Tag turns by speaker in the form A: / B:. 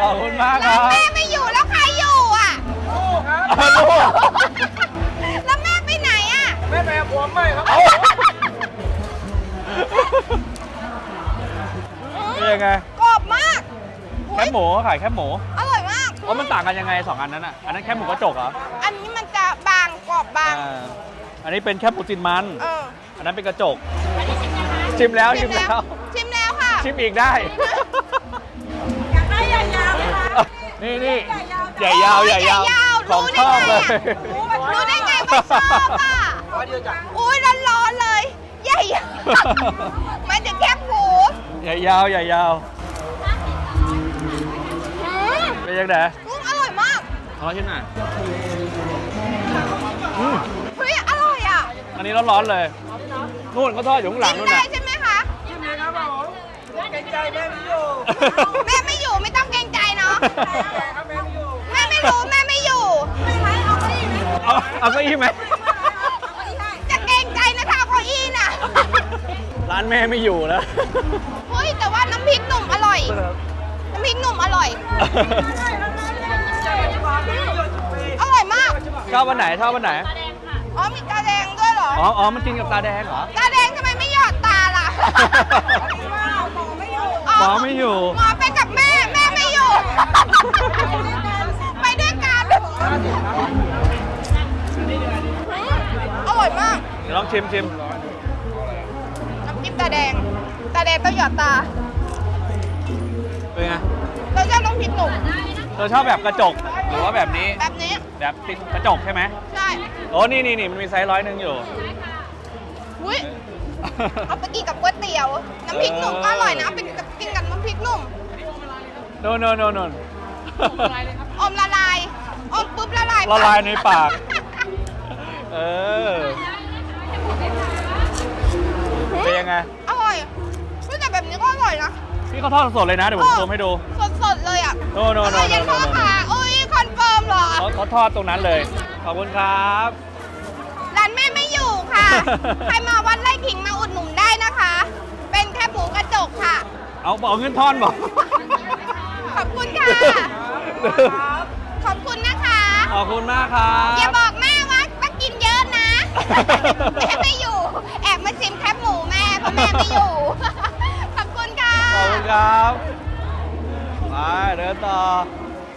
A: อบคุณมากค
B: แล้
A: รั
B: ว
A: บ
B: แม่ไม่อยู่แล้วใครอยู่อ่ะ
A: ลูก
B: แล้วแม่ไปไหนอ่ะ
C: แม่แม่ผมไม่ครับ
A: เป็นยังไง
B: กรอบมาก
A: แคบหมูเขาขายแคบหมู
B: อร่อยมาก
A: ว่ามันต่างกันยังไง2อันนั้นอ่ะอันนั้นแคบหมูกระจกเหรอ
B: อันนี้มันจะบางกรอบบาง
A: อันนี้เป็นแคบหมูตินมัน อันนั้นเป็นกระจก ชิมแล้วชิมแล้ว
B: ชิมแล้วค่ะ
A: ชิมอีกได้
B: อยากได้ใหญ่ยาวไหมคะ
A: นี่ใหญ่ยาวใหญ่ยาวของชอบเลย
B: รู้ได้ไงว่าชอบอ่ะอุ้ยร้อนๆเลย ใหญ่ไม่ถึงแคบหมู
A: ใหญ่ยาวใหญ่ยาวเป็นยังไง
B: อร่อยมาก
A: ขอชิมหน่อย
B: เฮ้ยอร่อยอ่ะ
A: อันนี้ร้อนๆเลยนู่นเขาทอดอยู่ข้างหลัง
B: กิ
A: นู่
B: น
A: น
B: ได้
A: น่ะ
B: ใช่ไหมคะ
C: ใช่ไหมครับผมเกรงใจแม่ไม่อยู่
B: แม่ไม่อยู่ไม่ต้องเกรงใจเนาะ
C: ครับแม่ไม่อยู่
B: แม่ไม่รู้แม่ไม่อยู่ไม่ไหมเอาเก้าอี้ไหม
A: เอาเก้าอี้ไหม
B: จะเกรงใจนะถ้าเอาเก้าอี้น่ะ
A: ร้านแม่ไม่อยู่แล้ว
B: เฮ้ยแต่ว่าน้ำพริกหนุ่มอร่อย น้ำพริกหนุ่มอร่อย อร่อยมาก
A: ชอบวันไหนชอบวันไหน
B: อ๋อมีตาแดงด้วยเหรอ
A: อ๋อมันกินกับตาแดงเหรอ
B: ตาแดงทำไมไม่หยอดตาล่ะ
A: หมอไม่อยู่
B: หมอไปกับแม่แม่ไม่อยู่ ไปด้วยกันอร่อยมาก
A: เดี๋ยวลองชิม
B: น้ำจิ้มตาแดง ตาแดงต้องหยอดตา
A: เป็นไง
B: เราชอบน้ำพริกหนุ่ม
A: เธอชอบแบบกระจกหรือว่าแบบนี้
B: แบบนี้
A: แบบติดกระจกใช่ไหม
B: ใช่
A: โอ้นี่มันมีไซส์100อยู่
B: อุ้ยเอาไปกินกับก๋วยเตี๋ยว น้ำพริกหนุ่มก็อร่อยนะเป็นกินกับน้ำพริกหนุ่ม
A: โนน
B: อมละลาย อมปุ๊บละลาย
A: ละลายในปาก เออ เป็นยังไง
B: อร่อยเฮ้ยแต่แบบนี้ก็อร่อยนะ
A: พี่เขาทอดสดเลยนะ เดี๋ยวผมซูมให้ดู
B: สดๆเลยอ่ะ
A: โน
B: อร่อยยังพ่อค่ะอุ้ยคอนเฟิร์มเหรอ
A: เขาทอดตรงนั้นเลย ขอบคุณครับ
B: ร้านแม่ไม่อยู่ค่ะ ใครมาวัดไร่ขิงมาอุดหนุนได้นะคะ เป็นแค่หมูกระจกค่ะ
A: เอาบอกเงินทอนบอก
B: ขอบคุณค่ะ ขอบคุณนะคะ
A: ขอบคุณมากครับ
B: อย่าบอกแม่ว่ากินเยอะนะ แม่ไม่อยู่ แอบมาชิมแคบหมูแม่เพราะแม่ไม่อยู่ ขอบคุณค่ะ
A: ขอบคุณครับ ไปเดินต่อ